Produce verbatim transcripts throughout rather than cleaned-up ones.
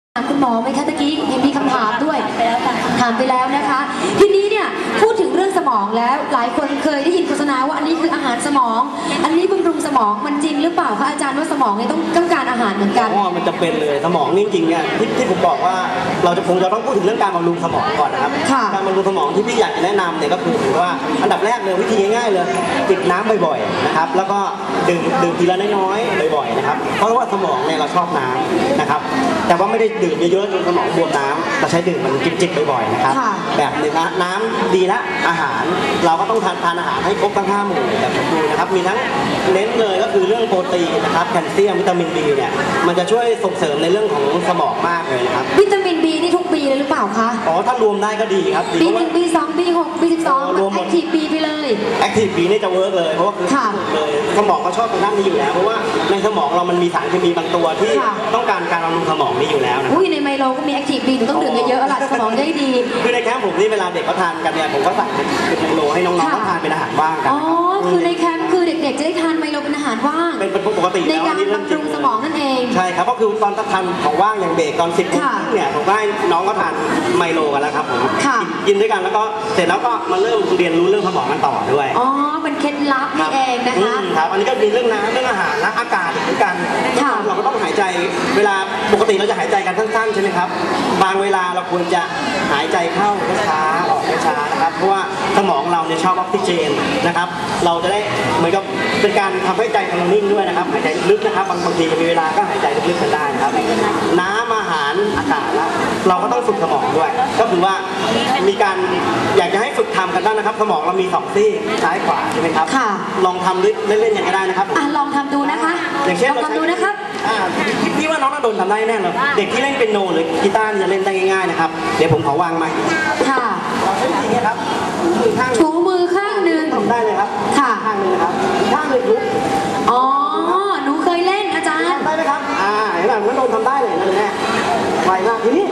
คุณหมอไหมคะตะกี้เห็นมีคำถามด้วยถามไปแล้วนะคะทีนี้เนี่ยพูดถึงเรื่องสมองแล้วหลายคนเคยได้ยินโฆษณาว่าอันนี้คืออาหารสมอง อันนี้บำรุงสมองมันจริงหรือเปล่าคะอาจารย์ว่าสมองเนี่ยต้องต้องการอาหารเหมือนกันอ๋อมันจะเป็นเลยสมองนี่จริงเนี่ยที่ที่ผมบอกว่าเราจะคงจะต้องพูดถึงเรื่องการบำรุงสมองก่อนนะครับการบำรุงสมองที่พี่อยากจะแนะนำเนี่ยก็คือถือว่าอันดับแรกเลยวิธีง่ายๆเลยจิบน้ำบ่อยๆนะครับแล้วก็ดื่มดื่มทีละน้อยๆบ่อยๆนะครับเพราะว่าสมองเนี่ยเราชอบน้ำนะครับแต่ว่าไม่ได้ดื่มเยอะๆจนสมองบวมน้ำเราใช้ดื่มมันจิบๆบ่อยๆนะครับแบบหนึ่งนะน้ำดีละอาหารเราก็ต้องทานทานอาหารให้ครบทั้งห้าหมู่แบบสมบูรณ์นะครับมีทั้งเน้นเลยก็คือเรื่องโปรตีนนะครับแคลเซียมวิตามินบีเนี่ยมันจะช่วยส่งเสริมในเรื่องของสมองมากเลยนะครับวิตามินบีนี่ทุกปีเลยหรือเปล่าคะอ๋อถ้ารวมได้ก็ดีครับปีหนึ่งปีสองปีหกปีสิบสองรวมแอคทีฟบีไปเลยแอคทีฟบีนี่จะเวิร์กเลยเพราะว่าคือเลยสมองเขาชอบตรงนั้นนี้อยู่แล้วเพราะว่าในสมองเรามันมีสารเคมีบางตัวที่ต้องการการบำรุงสมองนี่อยู่แล้วนะอุ้ยในไมโลก็มีแอคทีฟบีหนูต้องดื่มเยอะๆหลักสมองได้ดีคือในแคมป์ผมนี่เวลาเด็กเขาทานกันเนี่ยผมก็ใส่เป็นไมโลให้น้องๆเขาทานเป็นอาหารว่างกันอ๋อคือในแคมป์คือเด็กๆจะได้ทานไมโลเป็นอาหารว่างเป็นปกติในการบำรุงสมองนั่นเองใช่ครับก็คือตอนทานของว่างอย่างเบรกตอนสิบโมงเนี่ยผมก็ให้น้องก็ทานไมโลกันแล้วครับผมกินด้วยกันแล้วก็เสร็จแล้วก็มาเริ่มเรียนรู้เรื่องสมองกันต่อด้วยอ๋อเป็นเคล็ดลับนี่เองนะคะครับอันนี้ก็มีเรื่องน้ำเรื่องอาหารและอากาศด้วยกันเราก็ต้องหายใจเวลาปกติเราจะหายใจกันสั้นๆใช่ไหมครับบางเวลาเราควรจะหายใจเข้าช้าออกช้านะครับเพราะว่าสมองเราเนี่ยชอบออกซิเจนนะครับเราจะได้เหมือนกับเป็นการทำให้ใจเรานิ่งด้วยนะครับหายใจลึกนะครับบางบางทีมีเวลาก็หายใจลึกๆกันได้นะครับน้ำอาหารอากาศแล้วเราก็ต้องฝึกสมองด้วยก็คือว่ามีการอยากจะให้ฝึกทำกันบ้างนะครับสมองเรามีสองซี่ซ้ายขวาใช่ไหมครับลองทำเล่นๆอย่างก็ได้นะครับอ่ะลองทำดูนะคะอย่างเช่นลองทำดูนะครับอ่าพี่ว่าน้องน่าโดนทำได้แน่เลยเด็กที่เล่นเปียโนหรือกีตาร์จะเล่นได้ง่ายๆนะครับเดี๋ยวผมขอวางไมค์ค่ะเราใช้อย่างนี้ครับมือข้างถูมือข้างหนึ่งทำได้เลยครับค่ะข้างหนึ่งนะครับข้างหนึ่งลุกอ๋อหนูเคยเล่นอาจารย์ทำได้ไหมครับอ่าเห็นไหมน้าโดนทำได้เลยนะแม่ไวมากทีนี้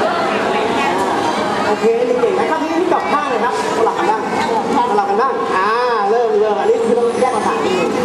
โอเคเก่งนะครับทีนี้กลับข้างเลยครับสลับกันบ้างสลับกันบ้างอ่าเริ่มเริ่มอันนี้คือต้องแยกมาถามนิดนึง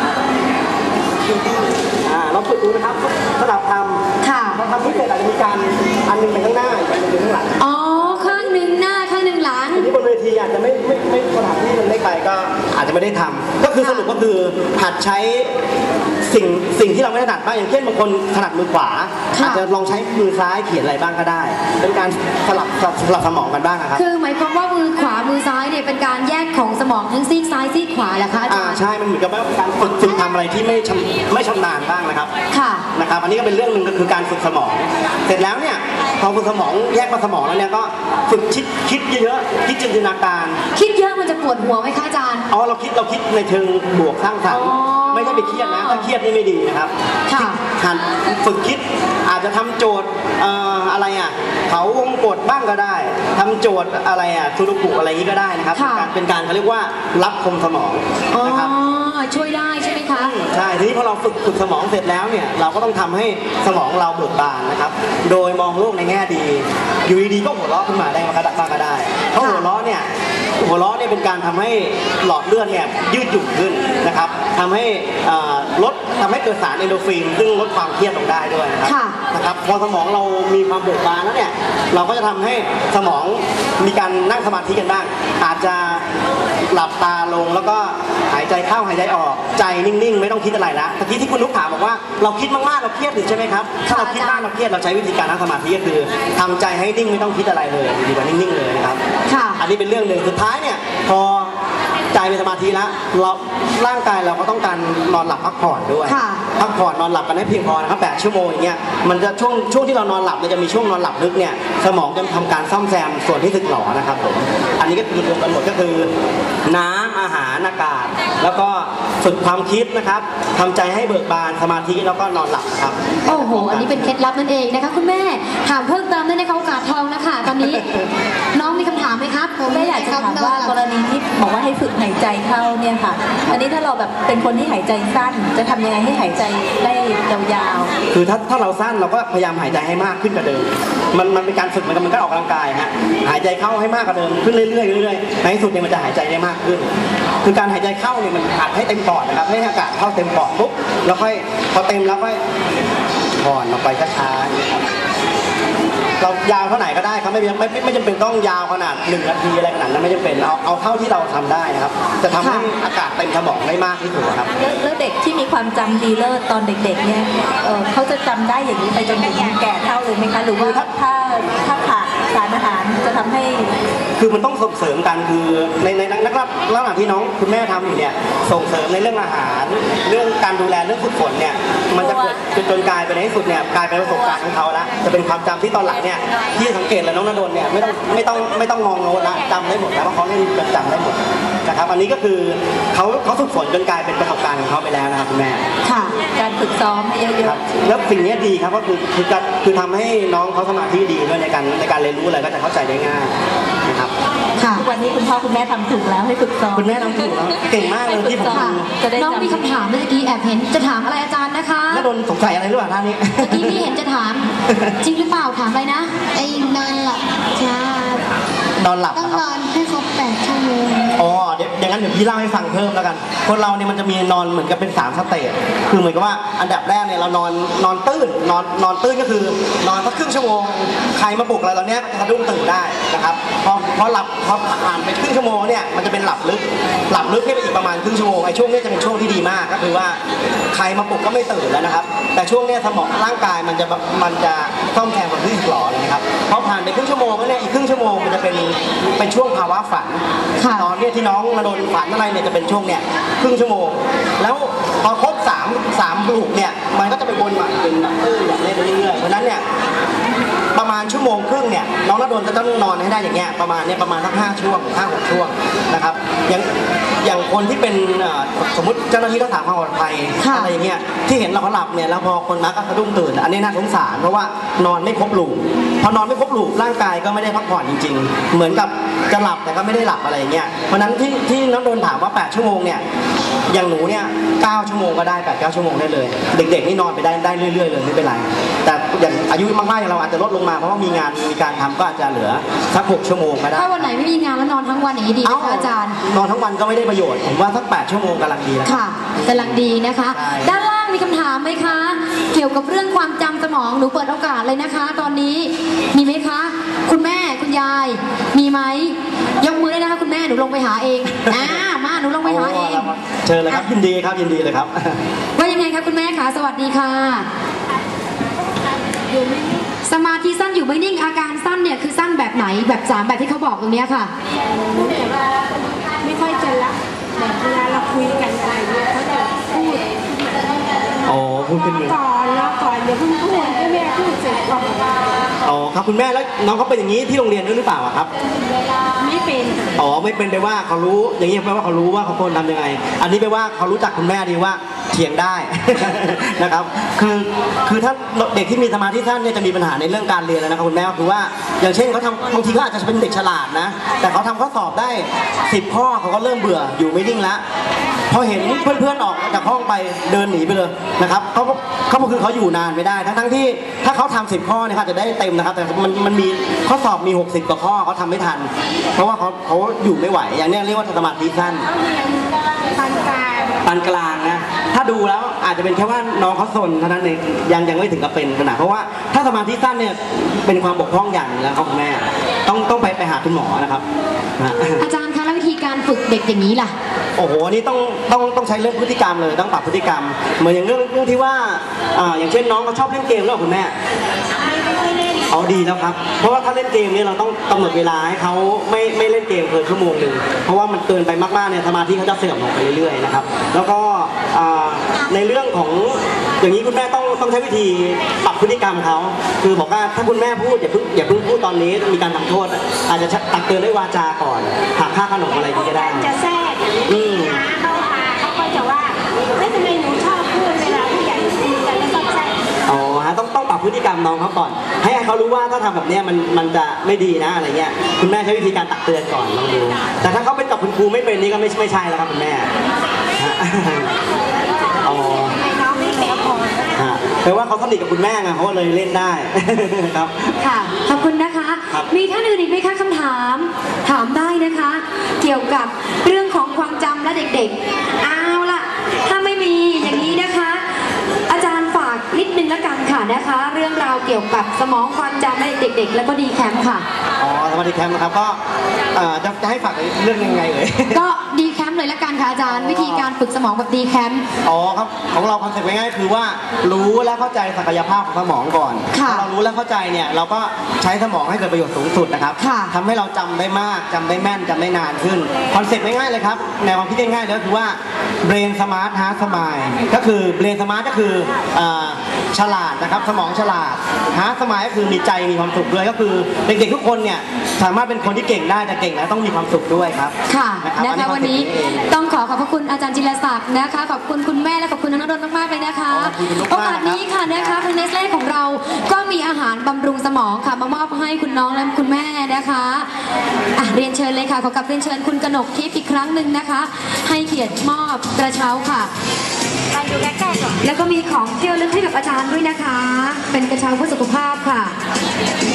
อ่าเราฝึกดูนะครับสลับทำค่ะพอทำที่เสร็จอาจจะมีการอันนึงไปข้างหน้าอีกอันนึงไปข้างหลังอ๋อข้างหนึ่งหน้าข้างหนึ่งหลังทีนี้บนเวทีอาจจะไม่ไม่ไม่สถานที่มันเล็กไปก็อาจจะไม่ได้ทำก็คือสรุปก็คือหัดใช้สิ่งสิ่งที่เราไม่ถนัดบ้างอย่างเช่นบางคนถนัดมือขวาอาจจะลองใช้มือซ้ายเขียนอะไรบ้างก็ได้เป็นการสลับสลับสมองกันบ้างครับคือหมายความว่ามือขวามือซ้ายเนี่ยเป็นการแยกของสมองทั้งซีกซ้ายซีกขวาแหละคะอาจารย์ใช่มันเหมือนกับว่าการฝึกฝึกทำอะไรที่ไม่ชำไม่ชำนาญบ้างนะครับค่ะนะครับอันนี้ก็เป็นเรื่องหนึ่งก็คือการฝึกสมองเสร็จแล้วเนี่ยพอฝึกสมองแยกมาสมองแล้วเนี่ยก็ฝึกคิดคิดเยอะๆคิดจินตนาการคิดเยอะมันจะปวดหัวไหมคะอาจารย์อ๋อเราคิดเราคิดในเชิงบวกสร้างสรรค์ไม่ใช่ไปเครียดนะถ้าเครียดนี่ไม่ดีนะครับหัดฝึกคิดอาจจะทำโจทย์อะไรอ่ะเขาวงกดบ้างก็ได้ทำโจทย์อะไรอ่ะสุดกุอะไรนี้ก็ได้นะครับเป็นการเป็นการเขาเรียกว่ารับคมสมองนะครับช่วยได้ใช่ไหมคะใช่ทีนี้พอเราฝึกฝึกสมองเสร็จแล้วเนี่ยเราก็ต้องทำให้สมองเราเบิกบานนะครับโดยมองโลกในแง่ดีอยู่ดีๆก็หัวเราะขึ้นมาได้มากระดักบ้างก็ได้เพราะหัวเราะเนี่ยหัวเราะเนี่ยเป็นการทำให้หลอดเลือดเนี่ยยืดหยุ่นขึ้นนะครับทำให้ลดทำให้เกิดสารเอนโดรฟินซึ่งลดความเครียดลงได้ด้วยนะครับนะครับพอสมองเรามีความเบิกบานแล้วเนี่ยเราก็จะทำให้สมองมีการนั่งสมาธิกันบ้างอาจจะหลับตาลงแล้วก็หายใจเข้าหายใจออกใจนิ่งๆไม่ต้องคิดอะไรละเมื่อกี้ที่คุณลูกถามบอกว่าเราคิดมากๆเราเครียดใช่ไหมครับถ้าเราคิดมากเราเครียดเราใช้วิธีการนั่งสมาธิก็คือทำใจให้นิ่งไม่ต้องคิดอะไรเลยดีกว่านิ่งๆเลยนะครับอันนี้เป็นเรื่องหนึ่งสุดท้ายเนี่ยพอใจเป็นสมาธิแล้วเราร่างกายเราก็ต้องการนอนหลับพักผ่อนด้วยพักผ่อนนอนหลับกันให้เพียงพอนะครับแปดชั่วโมงอย่างเงี้ยมันจะช่วงช่วงที่เรานอนหลับมันจะมีช่วงนอนหลับลึกเนี่ยสมองจะทำการซ่อมแซมส่วนที่สึกหรอนะครับผมอันนี้ก็คือรวมกันหมดก็คือน้ำอาหารอากาศแล้วก็ฝึกความคิดนะครับทำใจให้เบิกบานสมาธิแล้วก็นอนหลับครับโอ้โหอันนี้เป็นเคล็ดลับนั่นเองนะคะคุณแม่ถามเพิ่มเติมได้ในโอกาสทองนะคะตอนนี้น้องมีคำถามไหมครับผมไม่อยากจะถามว่ากรณีที่บอกว่าให้ฝึกหายใจเข้าเนี่ยค่ะอันนี้ถ้าเราแบบเป็นคนที่หายใจสั้นจะทำยังไงให้หายใจได้ยาวๆคือถ้าถ้าเราสั้นเราก็พยายามหายใจให้มากขึ้นกว่าเดิมมันมันเป็นการฝึกมันมันก็ออกกำลังกายฮะหายใจเข้าให้มากกว่าเดิมขึ้นเรื่อยๆเรื่อยๆในที่สุดเนี่ยมันจะหายใจได้มากขึ้นคือการหายใจเข้าเนี่ยมันอัดให้เต็มปอดนะครับให้อากาศเข้าเต็มปอดปุ๊บแล้วค่อยพอเต็มแล้วค่อยผ่อนออกไปช้าๆเรายาวเท่าไหร่ก็ได้ครับไม่ไม่ไม่ไม่จำเป็นต้องยาวขนาดหนึ่งนาทีอะไรขนาดนั้นไม่จำเป็นเอาเอาเท่าที่เราทำได้นะครับจะทำให้อากาศเต็มสมองได้มากที่สุดครับแล้วแล้วเด็กที่มีความจำดีเลิศตอนเด็กๆเนี่ยเออเขาจะจำได้อย่างนี้ไปจนถึงแก่เท่าเลยไหมคะหรือว่าถ้าถ้าขาดสารอาหารจะทำให้คือมันต้องส่งเสริมกันคือในในนักรับระหว่างที่น้องคุณแม่ทำอยู่เนี่ยส่งเสริมในเรื่องอาหารเรื่องการดูแลเรื่องฝึกฝนเนี่ยมันจะเกิดจนจนกลายไปในที่สุดเนี่ยกลายเป็นประสบการณ์ของเขาแล้วจะเป็นความจำที่ตอนหลังเนี่ยที่สังเกตเลยน้องณดลเนี่ยไม่ต้องไม่ต้องไม่ต้องมองโน้ตละจำได้หมดแล้วเพราะเขาเล่นจำได้หมดนะครับอันนี้ก็คือเขาเขาฝึกฝนจนกลายเป็นประสบการณ์ของเขาไปแล้วนะครับคุณแม่ค่ะการฝึกซ้อมเยอะๆแล้วสิ่งนี้ดีครับก็คือคือคือทำให้น้องเขาสมาธิดีด้วยในการในการเรียนรู้อะไรก็จะเข้าใจได้ง่ายนะครับค่ะทุกวันนี้คุณพ่อคุณแม่ทำถูกแล้วให้ฝึกซ้อมคุณแม่ทำถูกแล้วเก่งมากเลยที่ผมดูน้องมีคำถามเมื่อกี้แอบเห็นจะถามอะไรอาจารย์นะคะณดลสงสัยอะไรหรือเปล่าท่านนี้เมื่อกี้พี่เห็นจะถามจริงหรือเปล่าถามอะไรนะไอ้นอนหลับใช่นอนหลับต้องนอนให้ครบแปดชั่วโมงอ๋อเดี๋ยวอย่างนั้นเดี๋ยวพี่เล่าให้ฟังเพิ่มแล้วกันคนเราเนี่ยมันจะมีนอนเหมือนกับเป็นสามสเตจคือเหมือนกับว่าอันดับแรกเนี่ยเรานอนนอนตื้นนอนนอนตื้นก็คือนอนสักครึ่งชั่วโมงใครมาปลุกอะไรเราเนี้ยจะสะดุ้งตื่นได้นะครับพอพอหลับพอผ่านไปครึ่งชั่วโมงเนี่ยมันจะเป็นหลับลึกหลับลึกแค่ไปอีกประมาณครึ่งชั่วโมงไอ้ช่วงนี้จะเป็นช่วงที่ดีมากก็คือว่าใครมาปลุกก็ไม่ตื่นแล้วนะครับแต่ช่วงนี้สมองร่างกายมันจะมันจะซ่อมแซมความรู้สึกหล่อเลยนะครับพอผ่านไปครึ่งชั่วโมงแล้วเนี่ยอีกครึ่งชั่วโมงมันจะเป็นเป็นช่วงภาวะฝันตอนนี้ที่น้องณดลฝันอะไรเนี่ยจะเป็นช่วงเนี่ยครึ่งชั่วโมงแล้วพอครบสามสามปลุกเนี่ยมันก็จะไปวนใหม่เป็นแบบตื้นแบบนี้ไปเรื่อยๆเพราะนั้นเนี่ยประมาณชั่วโมงครึ่งเนี่ยน้องณดลจะต้องนอนให้ได้อย่างเงี้ยประมาณเนี่ยประมาณสักห้าช่วงห้าหกช่วงนะครับอย่างอย่างคนที่เป็นสมมติเจ้าหน้าที่รักษาความปลอดภัยอะไรอย่างเงี้ยที่เห็นเราเขาหลับเนี่ยแล้วพอคนมาก็สะดุ้งตื่นอันนี้น่าสงสารเพราะว่านอนไม่ครบลูปพอนอนไม่ครบลูปร่างกายก็ไม่ได้พักผ่อนจริงๆเหมือนกับจะหลับแต่ก็ไม่ได้หลับอะไรอย่างเงี้ยเพราะนั้นที่ที่น้องโดนถามว่าแปดชั่วโมงเนี่ยอย่างหนูเนี่ยเก้าชั่วโมงก็ได้แปด เก้าชั่วโมงได้เลยเด็กๆนี่นอนไปได้ได้เรื่อยๆเลยไม่เป็นไรแต่อย่างอายุมากๆเราอาจจะลดลงมาเพราะว่ามีงานมีการทำก็อาจจะเหลือสักหกชั่วโมงก็ได้ถ้าวันไหนไม่มีงานแล้วนอนทั้งวันอย่างนี้ดีไหมคะอาจารย์นอนทั้งวันก็ไม่ได้ประโยชน์ผมว่าสักแปดชั่วโมงกำลังดีแล้วค่ะกำลังดีนะคะด้านล่างมีคำถามไหมคะเกี่ยวกับเรื่องความจำสมองหนูเปิดโอกาสเลยนะคะตอนนี้มีไหมคะคุณแม่คุณยายมีไหมยกมือได้นะคะคุณแม่หนูลงไปหาเองอ่ามาหนูลงไปหาเองเชิญเลยครับยินดีครับยินดีเลยครับว่ายังไงคะคุณแม่คะสวัสดีค่ะสมาธิสั้นอยู่ไม่นิ่งอาการสั้นเนี่ยคือสั้นแบบไหนแบบสามแบบที่เขาบอกตรงนี้ค่ะไม่ค่อยจะละแบบเวลาเราคุยกันอะไรเนี่ยเขาจะพูดอ๋อพูดขึ้นเลยก่อนแล้วก่อนเดี๋ยวเพิ่งพูดให้แม่พูดเสร็จก่อนอ๋อครับคุณแม่แล้วน้องเขาเป็นอย่างนี้ที่โรงเรียนด้วยหรือเปล่าครับไม่เป็นอ๋อไม่เป็นแปลว่าเขารู้อย่างนี้แปลว่าเขารู้ว่าเขาควรทำยังไงอันนี้แปลว่าเขารู้จักคุณแม่ดีว่าเถียงได้นะครับคือคือถ้าเด็กที่มีสมาธิสั้นเนี่ยจะมีปัญหาในเรื่องการเรียนแล้วนะครับคุณแม่คือว่าอย่างเช่นเขาทำบางทีเขาอาจจะเป็นเด็กฉลาดนะแต่เขาทำข้อสอบได้สิบข้อเขาก็เริ่มเบื่ออยู่ไม่นิ่งแล้วพอเห็นเพื่อนๆออกจากห้องไปเดินหนีไปเลยนะครับเขาเขาคือเขาอยู่นานไม่ได้ทั้งๆที่ถ้าเขาทำสิบข้อเนี่ยเขาจะได้เต็มนะครับแต่มันมันมีข้อสอบมีหกสิบกว่าข้อเขาทำไม่ทันเพราะว่าเขาเขาอยู่ไม่ไหวอย่างนี้เรียกว่าสมาธิสั้นปานกลางปานกลางนะถ้าดูแล้วอาจจะเป็นแค่ว่าน้องเขาสนเท่านั้นเองยังยังไม่ถึงกับเป็นขนาดเพราะว่าถ้าสมาธิสั้นเนี่ยเป็นความบกพร่องอย่างนึงแล้วครับคุณแม่ต้องต้องไปไปหาคุณหมอนะครับอาจารย์คะแล้ววิธีการฝึกเด็กอย่างนี้ล่ะโอ้โหนี่ต้องต้องต้องใช้เรื่องพฤติกรรมเลยต้องปรับพฤติกรรมเหมือนอย่างเรื่องเรื่องที่ว่าอ่าอย่างเช่นน้องเขาชอบเล่นเกมแล้วคุณแม่เอาดีแล้วครับเพราะว่าถ้าเล่นเกมเนี่ยเราต้องกำหนดเวลาให้เขาไม่ไม่เล่นเกมเกินชั่วโมงหนึ่งเพราะว่ามันเกินไปมากๆเนี่ยสมาธิเขาจะเสื่อมลงไปเรื่อยๆนะครับแล้วก็ในเรื่องของอย่างนี้คุณแม่ต้องต้องใช้วิธีปรับพฤติกรรมเขาคือบอกว่าถ้าคุณแม่พูดอย่าเพิ่งอย่าเพิ่งพูดตอนนี้มีการทำโทษอาจจะตักเตือนด้วยวาจาก่อนหักค่าขนมอะไรก็ได้จะแทรกอืมเขาพาเขาก็จะว่าไม่ทำไมหนูชอบพูดเวลาผู้ใหญ่คุยกันแล้วชอบแทรกอ๋อฮะต้องต้องปรับพฤติกรรมน้องเขาก่อนให้เขารู้ว่าถ้าทำแบบนี้มันมันจะไม่ดีนะอะไรเงี้ยคุณแม่ใช้วิธีการตักเตือนก่อนลองดูแต่ถ้าเขาเป็นกับคุณครูไม่เป็นนี่ก็ไม่ไม่ใช่แล้วครับคุณแม่อ๋อแปลว่าเขาสนิทกับคุณแม่ไงเขาเลยเล่นได้ครับค่ะขอบคุณนะคะมีท่านอื่นอีกไหมคะคำถามถามได้นะคะเกี่ยวกับเรื่องของความจำและเด็กๆเอาล่ะถ้าไม่มีอย่างนี้นะคะอาจารย์ฝากนิดดนึงละกันค่ะนะคะ เรื่องราวเกี่ยวกับสมองความจำให้เด็กๆ แล้วก็ดีแคมป์ค่ะอ๋อสมาธิแคมป์นะครับก็เอ่อจะจะให้ฝากเรื่องยังไงเอ่ยก็ดีแคมป์เลยละกันค่ะอาจารย์วิธีการฝึกสมองแบบดีแคมป์อ๋อครับของเราคอนเซ็ปต์ง่ายๆคือว่ารู้และเข้าใจศักยภาพของสมองก่อนค่ะพอเรารู้และเข้าใจเนี่ยเราก็ใช้สมองให้เกิดประโยชน์สูงสุดนะครับค่ะทำให้เราจำได้มากจำได้แม่นจำได้นานขึ้นคอนเซ็ปต์ง่ายๆเลยครับแนวความคิดง่ายๆเลยก็คือว่า brain smart heart smile ก็คือ brain smart ก็คืออ่าฉลาดนะครับสมองฉลาด heart smile ก็คือมีใจมีความสุขด้วยก็คือเด็กๆทุกคนเนี่ยสามารถเป็นคนที่เก่งได้แต่เก่งแล้วต้องมีความสุขด้วยครับค่ะนะครับนะคะอัวันนี้คอเซ็ปต์เองต้องขอขอบพระคุณอาจารย์จิรศักดิ์นะคะขอบคุณคุณแม่และขอบคุณน้องนนท์มากๆเลยนะคะขอบคุณคุณลูกโอมากกาสนี้ค่ะนะคะทางเนสเล่ของเราก็มีอาหารบำรุงสมองค่ะมามอบให้คุณน้องและคุณแม่นะคะอ่ะเรียนเชิญเลยค่ะขอกลับเรียนเชิญคุณกนกทิพย์อีกครั้งหนึ่งนะคะ ให้เกียรติมอบกระเช้าค่ะมาดูใกล้ๆก่อนแล้วก็มีของที่ระลึกให้กับอาจารย์ด้วยนะคะ เป็นกระเช้าเพื่อสุขภาพค่ะ